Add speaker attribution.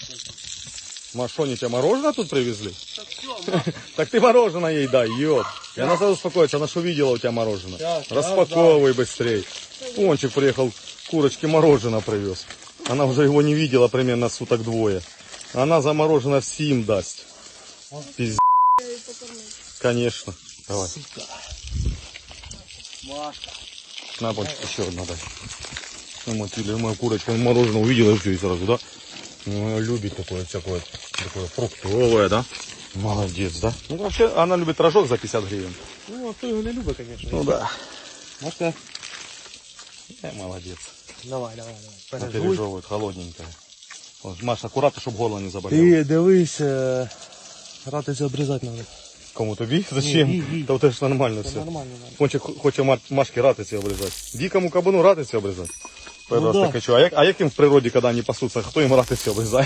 Speaker 1: Маш, они тебе мороженое тут привезли? Так ты мороженое ей дай, ёп. И она сразу успокоится, она что видела у тебя мороженое. Распаковывай быстрей. Пончик приехал, курочке мороженое привез. Она уже его не видела примерно суток двое. Она за мороженое всем даст. Пиздец. Конечно. Давай.
Speaker 2: Машка.
Speaker 1: На, Пончик, еще одна дай. Ну, моя курочка мороженое увидела и все, и сразу, да? Ну, любит такое всякое, такое фруктовое, да? Молодец, да? Ну, вообще, она любит рожок за 50 гривен.
Speaker 2: Ну, а кто его не любит, конечно.
Speaker 1: Ну, да.
Speaker 2: Машка.
Speaker 1: Молодец.
Speaker 2: Давай.
Speaker 1: Она пережевывает, холодненькая. Маша, аккуратно, чтобы горло не заболело.
Speaker 2: Ти дивись, ратицю обрізати треба.
Speaker 1: Кому тобі? Зачем?
Speaker 2: Ні.
Speaker 1: Та це ж нормально
Speaker 2: Це
Speaker 1: все.
Speaker 2: нормально.
Speaker 1: Пончик хоче Машки ратиці обрізати. Дикому кабану ратиці обрізати.
Speaker 2: Ну, да.
Speaker 1: А як їм в природі, коли вони пасуться, хто їм ратиці обрізає?